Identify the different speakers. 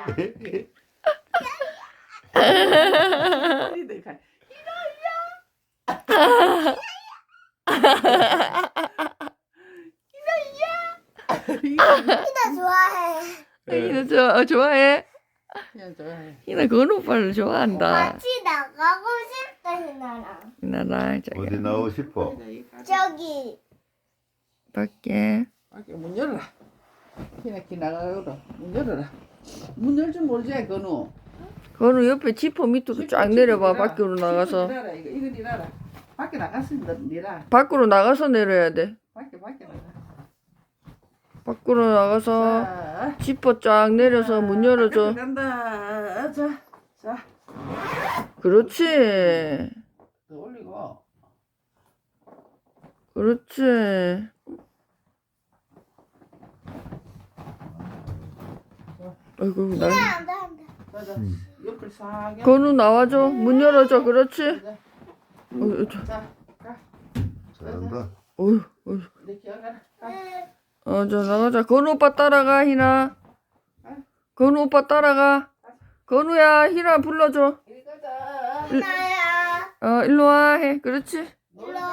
Speaker 1: 이들 가.
Speaker 2: 희나 좋아해.
Speaker 3: 희나 좋아해?
Speaker 1: 그냥 좋아해.
Speaker 3: 희나 건우 오빠를 좋아한다.
Speaker 2: 같이 나가고 싶다 희나랑.
Speaker 3: 희나랑
Speaker 4: 어디
Speaker 3: 자기
Speaker 4: 나오고 싶어?
Speaker 2: 저기.
Speaker 3: 밖에.
Speaker 1: 밖에 문 열어라. 기나기 나가거라. 문 열어라. 문 열 줄 모르지 건우.
Speaker 3: 건우 옆에 지퍼 밑으로 쫙 내려봐. 밖으로 나가서.
Speaker 1: 이거 니라라. 밖에 나갔습니다. 니라.
Speaker 3: 밖으로 나가서 내려야 돼.
Speaker 1: 밖에 나가.
Speaker 3: 밖으로 나가서
Speaker 1: 자,
Speaker 3: 지퍼 쫙 내려서 문 열어줘.
Speaker 1: 간다. 자.
Speaker 3: 그렇지.
Speaker 1: 더 올리고.
Speaker 3: 그렇지. 아이고 나.
Speaker 2: 안 돼, 안 돼.
Speaker 1: 자. 옆을 싹.
Speaker 3: 건우 나와줘. 문 열어줘. 그렇지.
Speaker 1: 자,
Speaker 3: 자.
Speaker 1: 가.
Speaker 4: 잘한다.
Speaker 3: 어휴, 어휴.
Speaker 1: 내 기억하라. 가.
Speaker 3: 자 나가자. 건우 오빠 따라가 희나. 건우 오빠 따라가. 건우야 희나 불러줘.
Speaker 1: 이리 가자.
Speaker 2: 희나야.
Speaker 3: 일로 와 해. 그렇지.
Speaker 2: 일로 와.